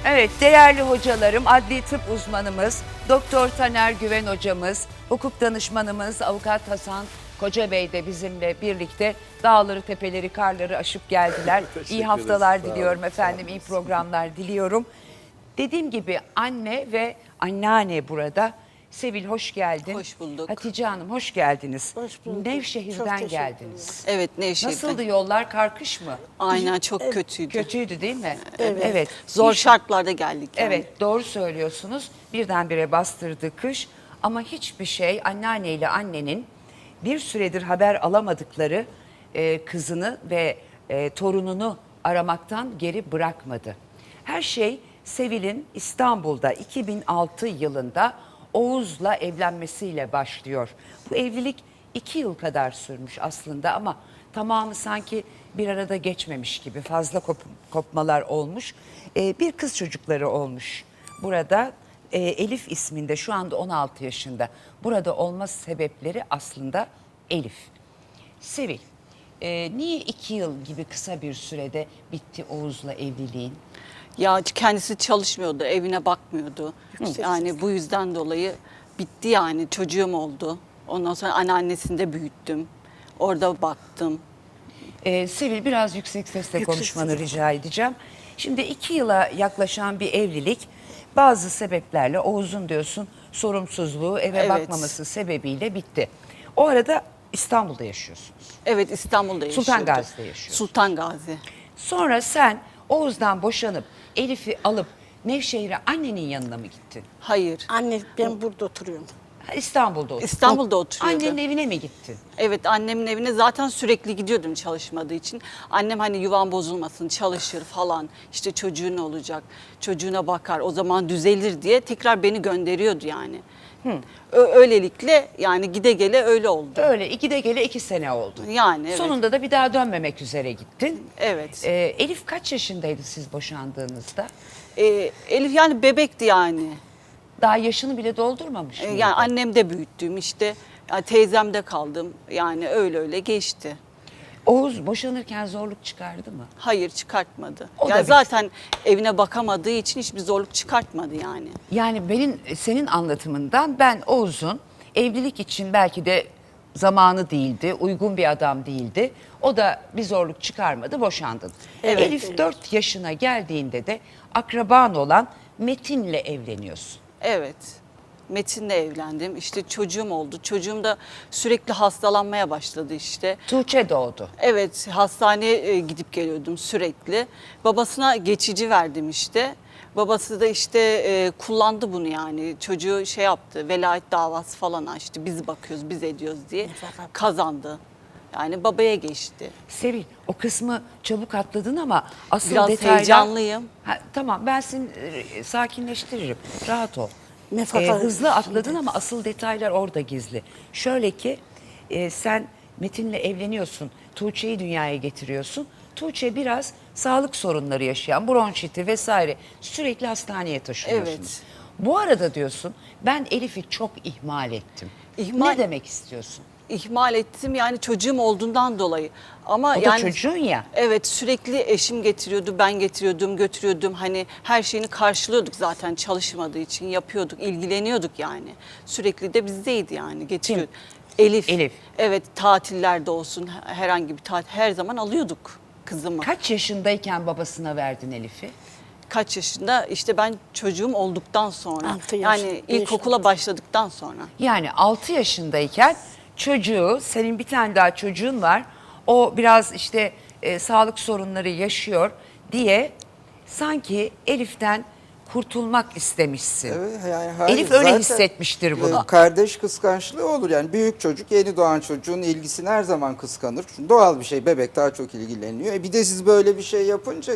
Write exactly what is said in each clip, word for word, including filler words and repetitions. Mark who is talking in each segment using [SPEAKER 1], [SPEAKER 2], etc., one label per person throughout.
[SPEAKER 1] Evet, değerli hocalarım, adli tıp uzmanımız, Doktor Taner Güven hocamız, hukuk danışmanımız Avukat Hasan Kocabey de bizimle birlikte dağları, tepeleri, karları aşıp geldiler. İyi haftalar
[SPEAKER 2] ederiz.
[SPEAKER 1] diliyorum
[SPEAKER 2] Sağ olun,
[SPEAKER 1] efendim,
[SPEAKER 2] sağ
[SPEAKER 1] iyi
[SPEAKER 2] olun.
[SPEAKER 1] programlar diliyorum. Dediğim gibi anne ve anneanne burada. Sevil hoş geldin.
[SPEAKER 3] Hoş bulduk.
[SPEAKER 1] Hatice Hanım hoş geldiniz.
[SPEAKER 4] Hoş bulduk. Çok
[SPEAKER 1] Nevşehir'den
[SPEAKER 4] teşekkür
[SPEAKER 1] geldiniz.
[SPEAKER 3] Evet, Nevşehir'den.
[SPEAKER 1] Nasıldı yollar, karkış mı?
[SPEAKER 3] Aynen, çok kötüydü.
[SPEAKER 1] Kötüydü değil mi?
[SPEAKER 4] Evet.
[SPEAKER 1] Evet.
[SPEAKER 3] Zor
[SPEAKER 1] İş-
[SPEAKER 3] şartlarda geldik yani.
[SPEAKER 1] Evet, doğru söylüyorsunuz. Birdenbire bastırdı kış ama hiçbir şey anneanneyle annenin bir süredir haber alamadıkları e, kızını ve e, torununu aramaktan geri bırakmadı. Her şey Sevil'in İstanbul'da iki bin altı yılında Oğuz'la evlenmesiyle başlıyor. Bu evlilik iki yıl kadar sürmüş aslında ama tamamı sanki bir arada geçmemiş gibi fazla kop- kopmalar olmuş. Ee, bir kız çocukları olmuş. Burada e, Elif isminde, şu anda on altı yaşında. Burada olma sebepleri aslında Elif. Sevil, e, niye iki yıl gibi kısa bir sürede bitti Oğuz'la evliliğin?
[SPEAKER 3] Ya kendisi çalışmıyordu, evine bakmıyordu. Yani bu yüzden dolayı bitti yani. Çocuğum oldu. Ondan sonra anneannesini de büyüttüm. Orada baktım.
[SPEAKER 1] Ee, Sevil, biraz yüksek sesle
[SPEAKER 4] Yüksek
[SPEAKER 1] konuşmanı
[SPEAKER 4] sesle.
[SPEAKER 1] rica edeceğim. Şimdi iki yıla yaklaşan bir evlilik bazı sebeplerle Oğuz'un diyorsun sorumsuzluğu, eve
[SPEAKER 3] Evet.
[SPEAKER 1] bakmaması sebebiyle bitti. O arada İstanbul'da yaşıyorsunuz.
[SPEAKER 3] Evet, İstanbul'da yaşıyordu.
[SPEAKER 1] Sultan Gazi'de yaşıyorsun.
[SPEAKER 3] Sultan Gazi.
[SPEAKER 1] Sonra sen Oğuz'dan boşanıp Elif'i alıp Nevşehir'e annenin yanına mı gittin?
[SPEAKER 3] Hayır.
[SPEAKER 4] Anne ben burada oturuyorum.
[SPEAKER 1] Ha, İstanbul'da oturdun.
[SPEAKER 3] İstanbul'da oturuyordu.
[SPEAKER 1] Annenin evine mi gittin?
[SPEAKER 3] Evet, annemin evine zaten sürekli gidiyordum çalışmadığı için. Annem hani yuvan bozulmasın, çalışır falan. İşte çocuğun olacak, çocuğuna bakar, o zaman düzelir diye tekrar beni gönderiyordu yani. Ö- Öylelikle yani gide gele öyle oldu.
[SPEAKER 1] Öyle ikide gele iki sene oldu.
[SPEAKER 3] Yani evet.
[SPEAKER 1] Sonunda da bir daha dönmemek üzere gittin.
[SPEAKER 3] Evet.
[SPEAKER 1] Ee, Elif kaç yaşındaydı siz boşandığınızda?
[SPEAKER 3] Ee, Elif yani bebekti yani.
[SPEAKER 1] Daha yaşını bile doldurmamış
[SPEAKER 3] Ee,
[SPEAKER 1] mıydı?
[SPEAKER 3] yani annem de büyüttüm işte. Yani teyzemde kaldım. Yani öyle öyle geçti.
[SPEAKER 1] Oğuz boşanırken zorluk çıkardı mı?
[SPEAKER 3] Hayır, çıkartmadı.
[SPEAKER 1] O da
[SPEAKER 3] yani
[SPEAKER 1] bir-
[SPEAKER 3] zaten evine bakamadığı için hiçbir zorluk çıkartmadı yani.
[SPEAKER 1] Yani benim senin anlatımından ben Oğuz'un evlilik için belki de zamanı değildi, uygun bir adam değildi. O da bir zorluk çıkarmadı, boşandın.
[SPEAKER 3] Evet.
[SPEAKER 1] Elif dört yaşına geldiğinde de akraban olan Metin'le evleniyorsun.
[SPEAKER 3] Evet. Metin'le evlendim. İşte çocuğum oldu. Çocuğum da sürekli hastalanmaya başladı işte.
[SPEAKER 1] Tuğçe doğdu.
[SPEAKER 3] Evet, hastaneye e, gidip geliyordum sürekli. Babasına geçici verdim işte. Babası da işte e, kullandı bunu yani. Çocuğu şey yaptı, velayet davası falan açtı. Biz bakıyoruz, biz ediyoruz diye.
[SPEAKER 4] Fakat-
[SPEAKER 3] Kazandı. Yani babaya geçti.
[SPEAKER 1] Sevil, o kısmı çabuk atladın ama asıl
[SPEAKER 3] Biraz
[SPEAKER 1] detaylar...
[SPEAKER 3] heyecanlıyım.
[SPEAKER 1] Ha, tamam, ben seni e, sakinleştiririm. Rahat ol.
[SPEAKER 4] Nefaka-
[SPEAKER 1] Ee, hızlı atladın ama asıl detaylar orada gizli. Şöyle ki e, sen Metin'le evleniyorsun. Tuğçe'yi dünyaya getiriyorsun. Tuğçe biraz sağlık sorunları yaşayan, bronşiti vesaire, sürekli hastaneye taşınıyorsunuz.
[SPEAKER 3] Evet.
[SPEAKER 1] Bu arada diyorsun ben Elif'i çok ihmal ettim.
[SPEAKER 3] İhmal-
[SPEAKER 1] Ne demek istiyorsun?
[SPEAKER 3] İhmal ettim yani çocuğum olduğundan dolayı. Ama
[SPEAKER 1] O da
[SPEAKER 3] yani
[SPEAKER 1] çocuğun ya.
[SPEAKER 3] Evet, sürekli eşim getiriyordu, ben getiriyordum, götürüyordum. Hani her şeyini karşılıyorduk zaten çalışmadığı için yapıyorduk, ilgileniyorduk yani. Sürekli de bizdeydi yani getiriyordu. Elif.
[SPEAKER 1] Elif.
[SPEAKER 3] Evet, tatillerde olsun herhangi bir tatil her zaman alıyorduk kızımı.
[SPEAKER 1] Kaç yaşındayken babasına verdin Elif'i?
[SPEAKER 3] Kaç yaşında? İşte ben çocuğum olduktan sonra.
[SPEAKER 4] Altı yaş,
[SPEAKER 3] Yani
[SPEAKER 4] beş
[SPEAKER 3] ilkokula
[SPEAKER 4] yaş.
[SPEAKER 3] başladıktan sonra.
[SPEAKER 1] Yani altı yaşındayken çocuğu, senin bir tane daha çocuğun var. O biraz işte e, sağlık sorunları yaşıyor diye sanki Elif'ten kurtulmak istemişsin.
[SPEAKER 2] Evet, yani hayır,
[SPEAKER 1] Elif öyle
[SPEAKER 2] zaten,
[SPEAKER 1] hissetmiştir bunu.
[SPEAKER 2] e, Kardeş kıskançlığı olur yani büyük çocuk yeni doğan çocuğun ilgisini her zaman kıskanır. Çünkü doğal bir şey, bebek daha çok ilgileniyor. E bir de siz böyle bir şey yapınca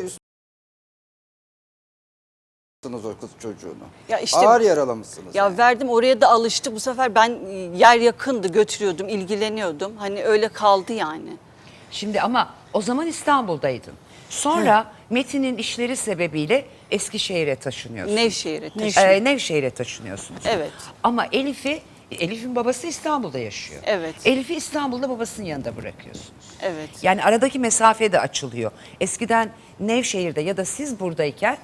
[SPEAKER 2] üstüne o kız çocuğunu.
[SPEAKER 3] Ya işte-
[SPEAKER 2] Ağır yaralamışsınız.
[SPEAKER 3] Ya
[SPEAKER 2] yani.
[SPEAKER 3] verdim, oraya da alıştı. Bu sefer ben e, yer yakındı, götürüyordum, ilgileniyordum. Hani öyle kaldı yani.
[SPEAKER 1] Şimdi ama o zaman İstanbul'daydın. Sonra Metin'in işleri sebebiyle Eskişehir'e taşınıyorsun.
[SPEAKER 3] Nevşehir'e taşındım.
[SPEAKER 4] Nevşehir.
[SPEAKER 1] Ee, Nevşehir'e taşınıyorsunuz.
[SPEAKER 3] Evet.
[SPEAKER 1] Ama Elif'i, Elif'in babası İstanbul'da yaşıyor.
[SPEAKER 3] Evet.
[SPEAKER 1] Elif'i İstanbul'da babasının yanında bırakıyorsunuz.
[SPEAKER 3] Evet.
[SPEAKER 1] Yani aradaki mesafe de açılıyor. Eskiden Nevşehir'de ya da siz buradayken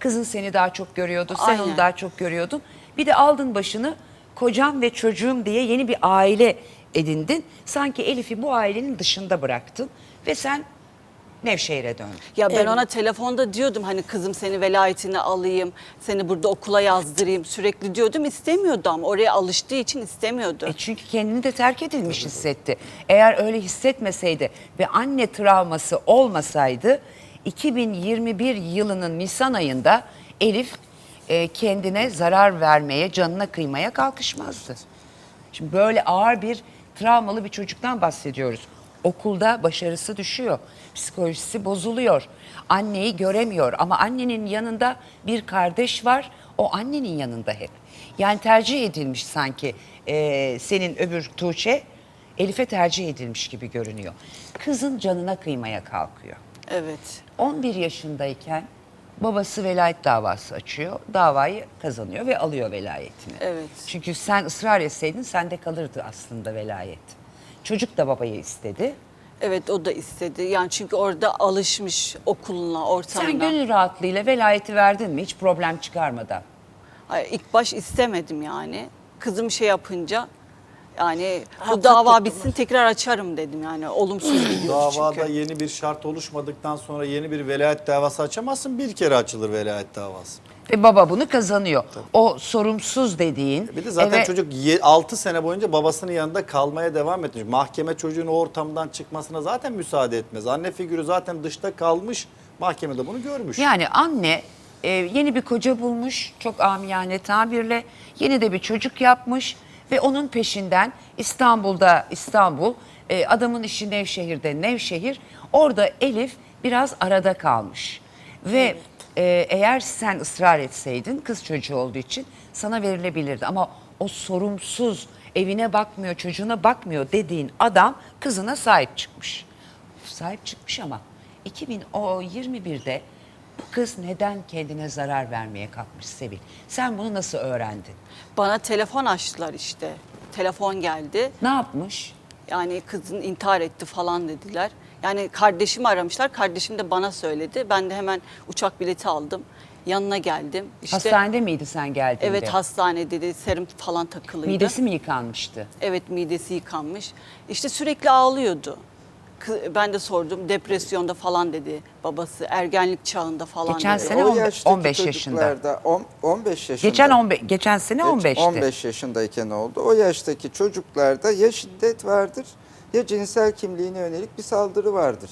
[SPEAKER 1] Kızın seni daha çok görüyordu, sen
[SPEAKER 3] Aynen.
[SPEAKER 1] onu daha çok görüyordun. Bir de aldın başını kocam ve çocuğum diye yeni bir aile edindin. Sanki Elif'i bu ailenin dışında bıraktın ve sen Nevşehir'e döndün.
[SPEAKER 3] Ya ben
[SPEAKER 4] Evet.
[SPEAKER 3] ona telefonda diyordum hani kızım seni velayetine alayım, seni burada okula yazdırayım sürekli diyordum. İstemiyordu ama oraya alıştığı için istemiyordu.
[SPEAKER 1] E çünkü kendini de terk edilmiş hissetti. Eğer öyle hissetmeseydi ve anne travması olmasaydı iki bin yirmi bir yılının Nisan ayında Elif e, kendine zarar vermeye, canına kıymaya kalkışmazdı. Şimdi böyle ağır bir travmalı bir çocuktan bahsediyoruz. Okulda başarısı düşüyor, psikolojisi bozuluyor, anneyi göremiyor ama annenin yanında bir kardeş var, o annenin yanında hep. Yani tercih edilmiş sanki e, senin öbür Tuğçe, Elif'e tercih edilmiş gibi görünüyor. Kızın canına kıymaya kalkıyor.
[SPEAKER 3] Evet.
[SPEAKER 1] on bir yaşındayken babası velayet davası açıyor. Davayı kazanıyor ve alıyor velayetini.
[SPEAKER 3] Evet.
[SPEAKER 1] Çünkü sen ısrar etseydin sende kalırdı aslında velayet. Çocuk da babayı istedi.
[SPEAKER 3] Evet o da istedi. Yani çünkü orada alışmış okuluna, ortamına.
[SPEAKER 1] Sen gönül rahatlığıyla velayeti verdin mi hiç problem çıkarmadan?
[SPEAKER 3] Ay, ilk baş istemedim yani. Kızım şey yapınca yani bu
[SPEAKER 4] Haklı
[SPEAKER 3] dava
[SPEAKER 4] tuttular.
[SPEAKER 3] bitsin tekrar açarım dedim yani. Olumsuz gidiyor
[SPEAKER 5] Davada
[SPEAKER 3] çünkü.
[SPEAKER 5] yeni bir şart oluşmadıktan sonra yeni bir velayet davası açamazsın. Bir kere açılır velayet davası.
[SPEAKER 1] Ve baba bunu kazanıyor. O sorumsuz dediğin.
[SPEAKER 5] Bir de zaten
[SPEAKER 1] eve-
[SPEAKER 5] çocuk altı sene boyunca babasının yanında kalmaya devam etmiş. Mahkeme çocuğun o ortamdan çıkmasına zaten müsaade etmez. Anne figürü zaten dışta kalmış. Mahkemede bunu görmüş.
[SPEAKER 1] Yani anne e, yeni bir koca bulmuş, çok amiyane tabirle yeni de bir çocuk yapmış ve onun peşinden İstanbul'da İstanbul, e, adamın işi Nevşehir'de Nevşehir, orada Elif biraz arada kalmış. Ve e, eğer sen ısrar etseydin kız çocuğu olduğu için sana verilebilirdi ama o sorumsuz, evine bakmıyor, çocuğuna bakmıyor dediğin adam kızına sahip çıkmış. Sahip çıkmış ama iki bin yirmi birde bu kız neden kendine zarar vermeye kalkmış Sevil? Sen bunu nasıl öğrendin?
[SPEAKER 3] Bana telefon açtılar işte. Telefon geldi.
[SPEAKER 1] Ne yapmış?
[SPEAKER 3] Yani kızın intihar etti falan dediler. Yani kardeşimi aramışlar. Kardeşim de bana söyledi. Ben de hemen uçak bileti aldım. Yanına geldim. İşte,
[SPEAKER 1] Hastanede miydi sen geldiğinde?
[SPEAKER 3] Evet hastanede de serum falan takılıydı.
[SPEAKER 1] Midesi mi yıkanmıştı?
[SPEAKER 3] Evet midesi yıkanmış. İşte sürekli ağlıyordu. Kı- Ben de sordum depresyonda falan dedi babası. Ergenlik çağında falan
[SPEAKER 1] Geçen
[SPEAKER 3] dedi.
[SPEAKER 1] sene
[SPEAKER 2] O
[SPEAKER 1] on-
[SPEAKER 2] yaştaki
[SPEAKER 1] on beş yaşında.
[SPEAKER 2] çocuklarda, on- 15 yaşında.
[SPEAKER 1] Geçen on beş geçen sene
[SPEAKER 2] Geç-
[SPEAKER 1] on beşti.
[SPEAKER 2] on beş yaşındayken oldu. O yaştaki çocuklarda ya şiddet vardır ya cinsel kimliğine yönelik bir saldırı vardır.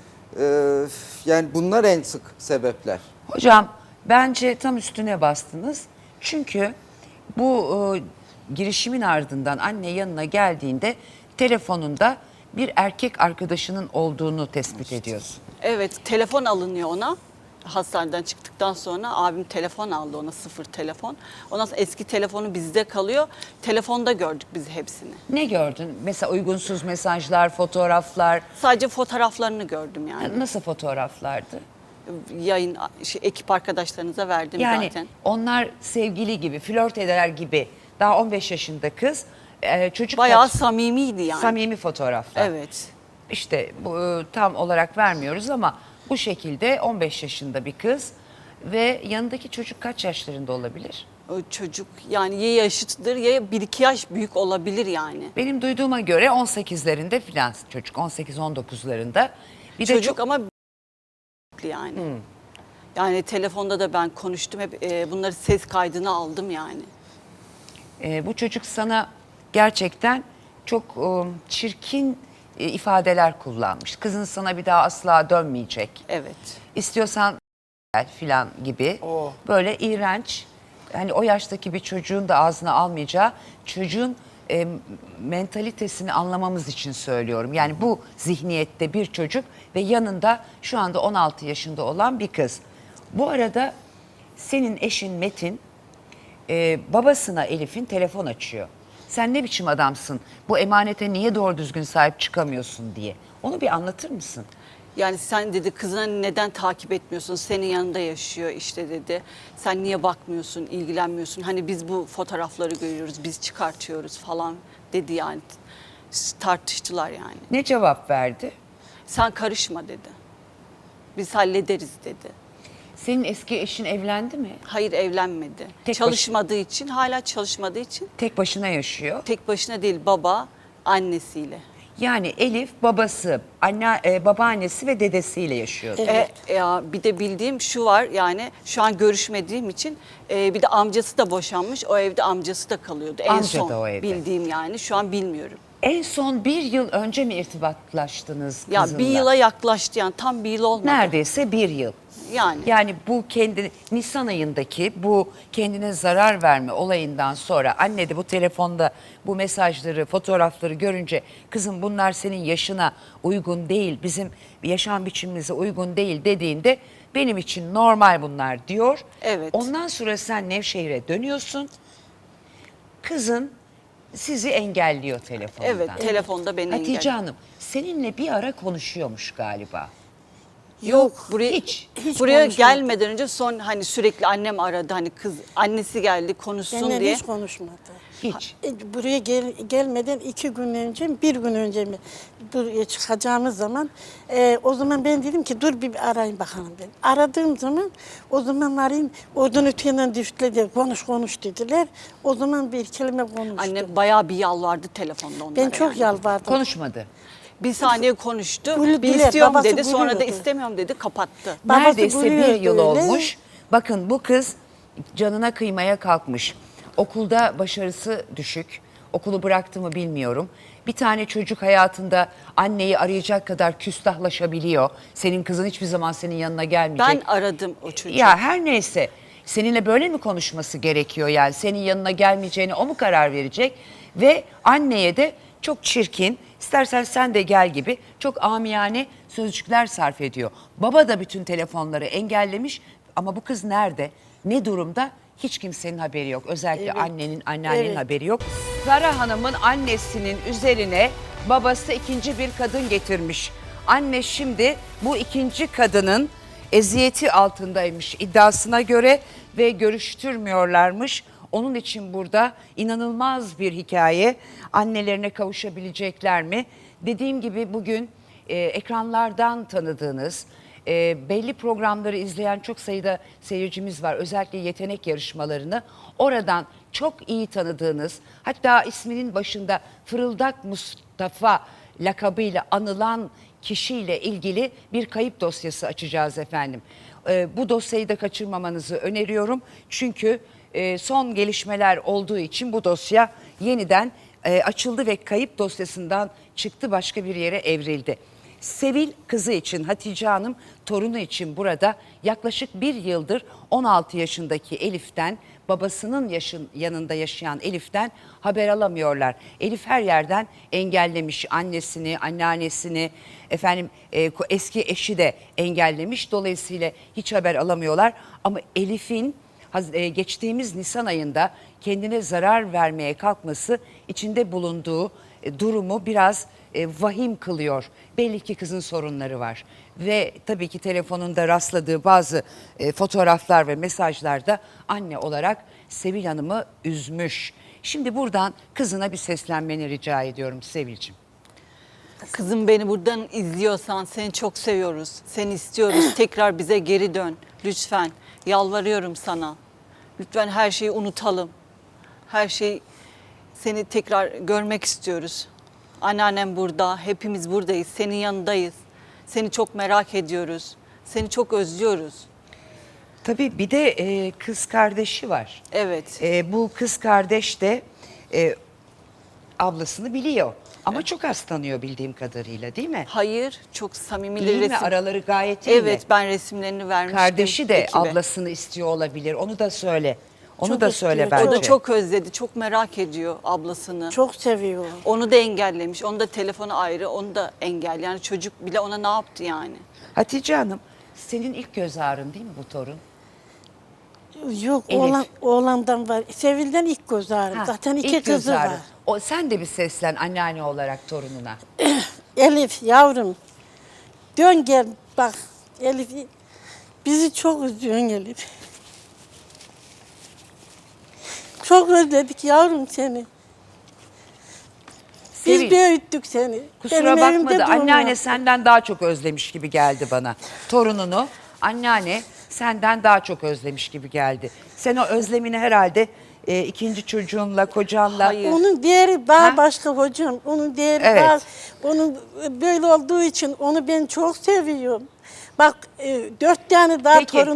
[SPEAKER 2] Ee, yani bunlar en sık sebepler.
[SPEAKER 1] Hocam bence tam üstüne bastınız. Çünkü bu e, girişimin ardından anne yanına geldiğinde telefonunda bir erkek arkadaşının olduğunu tespit ediyorsun.
[SPEAKER 3] Evet telefon alınıyor ona. Hastaneden çıktıktan sonra abim telefon aldı ona sıfır telefon. Ondan sonra eski telefonu bizde kalıyor. Telefonda gördük biz hepsini.
[SPEAKER 1] Ne gördün? Mesela uygunsuz mesajlar, fotoğraflar.
[SPEAKER 3] Sadece fotoğraflarını gördüm yani.
[SPEAKER 1] Nasıl fotoğraflardı?
[SPEAKER 3] Yayın şey, ekip arkadaşlarınıza verdim
[SPEAKER 1] Yani
[SPEAKER 3] zaten.
[SPEAKER 1] onlar sevgili gibi, flört eder gibi. Daha on beş yaşında kız. e, çocuk
[SPEAKER 3] Bayağı
[SPEAKER 1] kaç-
[SPEAKER 3] samimiydi yani.
[SPEAKER 1] samimi fotoğraflar.
[SPEAKER 3] Evet.
[SPEAKER 1] İşte bu e, tam olarak vermiyoruz ama bu şekilde on beş yaşında bir kız ve yanındaki çocuk kaç yaşlarında olabilir?
[SPEAKER 3] O çocuk yani ya yaşıttır ya bir iki yaş büyük olabilir yani.
[SPEAKER 1] Benim duyduğuma göre on sekizlerinde filan çocuk, on sekiz on dokuzlarında. Bir de
[SPEAKER 3] Çocuk
[SPEAKER 1] çok
[SPEAKER 3] ama yani. Yani telefonda da ben konuştum hep e, bunları ses kaydını aldım yani.
[SPEAKER 1] e, bu çocuk sana gerçekten çok e, çirkin e, ifadeler kullanmış. Kızın sana bir daha asla dönmeyecek.
[SPEAKER 3] Evet.
[SPEAKER 1] İstiyorsan gel filan gibi
[SPEAKER 5] Oh.
[SPEAKER 1] böyle iğrenç, hani o yaştaki bir çocuğun da ağzına almayacağı, çocuğun e, mentalitesini anlamamız için söylüyorum. Yani bu zihniyette bir çocuk ve yanında şu anda on altı yaşında olan bir kız. Bu arada senin eşin Metin e, babasına Elif'in telefon açıyor. Sen ne biçim adamsın, bu emanete niye doğru düzgün sahip çıkamıyorsun diye. Onu bir anlatır mısın?
[SPEAKER 3] Yani sen dedi kızına neden takip etmiyorsun? Senin yanında yaşıyor işte dedi. Sen niye bakmıyorsun, ilgilenmiyorsun? Hani biz bu fotoğrafları görüyoruz, biz çıkartıyoruz falan dedi yani. Tartıştılar yani.
[SPEAKER 1] Ne cevap verdi?
[SPEAKER 3] Sen karışma dedi. Biz hallederiz dedi.
[SPEAKER 1] Senin eski eşin evlendi mi?
[SPEAKER 3] Hayır, evlenmedi.
[SPEAKER 1] Tek
[SPEAKER 3] Çalışmadığı için, hala çalışmadığı için
[SPEAKER 1] Tek başına yaşıyor.
[SPEAKER 3] tek başına değil, baba annesiyle.
[SPEAKER 1] Yani Elif babası, anne, e, babaannesi ve dedesiyle yaşıyor.
[SPEAKER 3] E, ya bir de bildiğim şu var, yani şu an görüşmediğim için e, bir de amcası da boşanmış. O evde amcası da kalıyordu en
[SPEAKER 1] Amca
[SPEAKER 3] son
[SPEAKER 1] da o evde.
[SPEAKER 3] bildiğim, yani şu an bilmiyorum.
[SPEAKER 1] En son bir yıl önce mi irtibatlaştınız
[SPEAKER 3] Ya
[SPEAKER 1] kızınla?
[SPEAKER 3] bir yıla yaklaştı, yani tam bir yıl olmadı.
[SPEAKER 1] Neredeyse bir yıl.
[SPEAKER 3] Yani.
[SPEAKER 1] Yani bu kendi Nisan ayındaki bu kendine zarar verme olayından sonra anne de bu telefonda bu mesajları, fotoğrafları görünce kızım bunlar senin yaşına uygun değil, bizim yaşam biçimimize uygun değil dediğinde benim için normal bunlar diyor.
[SPEAKER 3] Evet.
[SPEAKER 1] Ondan sonra sen Nevşehir'e dönüyorsun. Kızın sizi engelliyor telefondan.
[SPEAKER 3] Evet, telefonda beni
[SPEAKER 1] Hatice
[SPEAKER 3] engelliyor.
[SPEAKER 1] Hanım seninle bir ara konuşuyormuş galiba.
[SPEAKER 3] Yok, buraya
[SPEAKER 1] hiç.
[SPEAKER 4] Hiç
[SPEAKER 3] buraya
[SPEAKER 4] konuşmadı.
[SPEAKER 3] gelmeden önce son hani sürekli annem aradı, hani kız annesi geldi konuşsun
[SPEAKER 4] Benimle
[SPEAKER 3] diye.
[SPEAKER 4] hiç konuşmadı.
[SPEAKER 1] Hiç.
[SPEAKER 4] E, Buraya gel, gelmeden iki gün önce mi, bir gün önce mi buraya çıkacağımız zaman e, o zaman ben dedim ki dur bir arayayım bakalım dedim. Aradığım zaman o zaman arayayım oradan öteyenden düştüler konuş konuş dediler. O zaman bir kelime konuştum.
[SPEAKER 3] Annem bayağı bir yalvardı telefonda onlara.
[SPEAKER 4] ben çok
[SPEAKER 3] yani.
[SPEAKER 4] yalvardım.
[SPEAKER 1] Konuşmadı.
[SPEAKER 3] Bir saniye konuştu.
[SPEAKER 4] Gülü-
[SPEAKER 3] Bir
[SPEAKER 4] güler,
[SPEAKER 3] istiyorum
[SPEAKER 4] babası
[SPEAKER 3] dedi. Sonra da
[SPEAKER 4] gülüyordu.
[SPEAKER 3] istemiyorum dedi. Kapattı.
[SPEAKER 4] Babası
[SPEAKER 1] Neredeyse bir
[SPEAKER 4] gülüyordu
[SPEAKER 1] yıl
[SPEAKER 4] öyle.
[SPEAKER 1] olmuş. Bakın bu kız canına kıymaya kalkmış. Okulda başarısı düşük. Okulu bıraktı mı bilmiyorum. Bir tane çocuk hayatında anneyi arayacak kadar küstahlaşabiliyor. Senin kızın hiçbir zaman senin yanına gelmeyecek.
[SPEAKER 3] Ben aradım o çocuğu.
[SPEAKER 1] Ya her neyse seninle böyle mi konuşması gerekiyor yani? Senin yanına gelmeyeceğine o mu karar verecek? Ve anneye de çok çirkin, istersen sen de gel gibi çok amiyane sözcükler sarf ediyor. Baba da bütün telefonları engellemiş ama bu kız nerede? Ne durumda? Hiç kimsenin haberi yok. Özellikle
[SPEAKER 4] Evet.
[SPEAKER 1] annenin, anneannenin
[SPEAKER 4] Evet.
[SPEAKER 1] haberi yok. Sara Hanım'ın annesinin üzerine babası ikinci bir kadın getirmiş. Anne şimdi bu ikinci kadının eziyeti altındaymış iddiasına göre ve görüştürmüyorlarmış. Onun için burada inanılmaz bir hikaye. Annelerine kavuşabilecekler mi? Dediğim gibi bugün e, ekranlardan tanıdığınız, e, belli programları izleyen çok sayıda seyircimiz var. Özellikle yetenek yarışmalarını oradan çok iyi tanıdığınız, hatta isminin başında Fırıldak Mustafa lakabıyla anılan kişiyle ilgili bir kayıp dosyası açacağız efendim. E, bu dosyayı da kaçırmamanızı öneriyorum. Çünkü e, son gelişmeler olduğu için bu dosya yeniden e, açıldı ve kayıp dosyasından çıktı, başka bir yere evrildi. Sevil kızı için, Hatice Hanım torunu için burada yaklaşık bir yıldır on altı yaşındaki Elif'ten, babasının yaşın, yanında yaşayan Elif'ten haber alamıyorlar. Elif her yerden engellemiş annesini, anneannesini, efendim e, eski eşi de engellemiş. Dolayısıyla hiç haber alamıyorlar. Ama Elif'in haz- e, geçtiğimiz Nisan ayında kendine zarar vermeye kalkması içinde bulunduğu e, durumu biraz e, vahim kılıyor. Belli ki kızın sorunları var. Ve tabii ki telefonunda rastladığı bazı e, fotoğraflar ve mesajlarda anne olarak Sevil Hanım'ı üzmüş. Şimdi buradan kızına bir seslenmeni rica ediyorum Sevil'cim.
[SPEAKER 3] Kızım, beni buradan izliyorsan seni çok seviyoruz. Seni istiyoruz. Tekrar bize geri dön. Lütfen. Yalvarıyorum sana. Lütfen her şeyi unutalım. Her şey, seni tekrar görmek istiyoruz. Anneannem burada. Hepimiz buradayız. Senin yanındayız. Seni çok merak ediyoruz. Seni çok özlüyoruz.
[SPEAKER 1] Tabii bir de e, kız kardeşi var.
[SPEAKER 3] Evet.
[SPEAKER 1] E, bu kız kardeş de e, ablasını biliyor. Ama çok az tanıyor bildiğim kadarıyla, değil mi?
[SPEAKER 3] Hayır, çok samimi
[SPEAKER 1] İyi mi?
[SPEAKER 3] resim.
[SPEAKER 1] Araları gayet iyi mi?
[SPEAKER 3] Evet, ben resimlerini vermiştim.
[SPEAKER 1] Kardeşi de
[SPEAKER 3] ekibe.
[SPEAKER 1] ablasını istiyor olabilir. Onu da söyle. Onu
[SPEAKER 4] Çok
[SPEAKER 1] da
[SPEAKER 4] istiyor,
[SPEAKER 1] söyle
[SPEAKER 4] çok.
[SPEAKER 1] bence.
[SPEAKER 3] O da çok özledi, çok merak ediyor ablasını.
[SPEAKER 4] Çok seviyor.
[SPEAKER 3] Onu da engellemiş, onu da telefonu ayrı, onu da engel. Yani çocuk bile ona ne yaptı yani?
[SPEAKER 1] Hatice Hanım, senin ilk göz ağrın değil mi bu torun?
[SPEAKER 4] Yok
[SPEAKER 1] Elif.
[SPEAKER 4] oğlan, oğlandan var. Sevil'den ilk göz ağrım.
[SPEAKER 1] Ha,
[SPEAKER 4] Zaten iki
[SPEAKER 1] ilk göz
[SPEAKER 4] kızı
[SPEAKER 1] ağrın.
[SPEAKER 4] var.
[SPEAKER 1] O, sen de bir seslen anneanne olarak torununa.
[SPEAKER 4] Elif yavrum dön gel bak Elif bizi çok üzüyorsun Elif. Çok özledik yavrum seni. Biz
[SPEAKER 1] Sevil,
[SPEAKER 4] büyüttük seni.
[SPEAKER 1] kusura
[SPEAKER 4] Benim evimde
[SPEAKER 1] bakma da
[SPEAKER 4] doğum
[SPEAKER 1] anneanne
[SPEAKER 4] yaptın.
[SPEAKER 1] senden daha çok özlemiş gibi geldi bana. Torununu anneanne senden daha çok özlemiş gibi geldi. Sen o özlemini herhalde e, ikinci çocuğunla, kocanla...
[SPEAKER 3] Hayır.
[SPEAKER 4] Onun değeri daha
[SPEAKER 1] Ha?
[SPEAKER 4] başka hocam. Onun değeri
[SPEAKER 1] Evet.
[SPEAKER 4] daha, onun böyle olduğu için onu ben çok seviyorum. Bak e, dört tane daha
[SPEAKER 1] Peki.
[SPEAKER 4] torun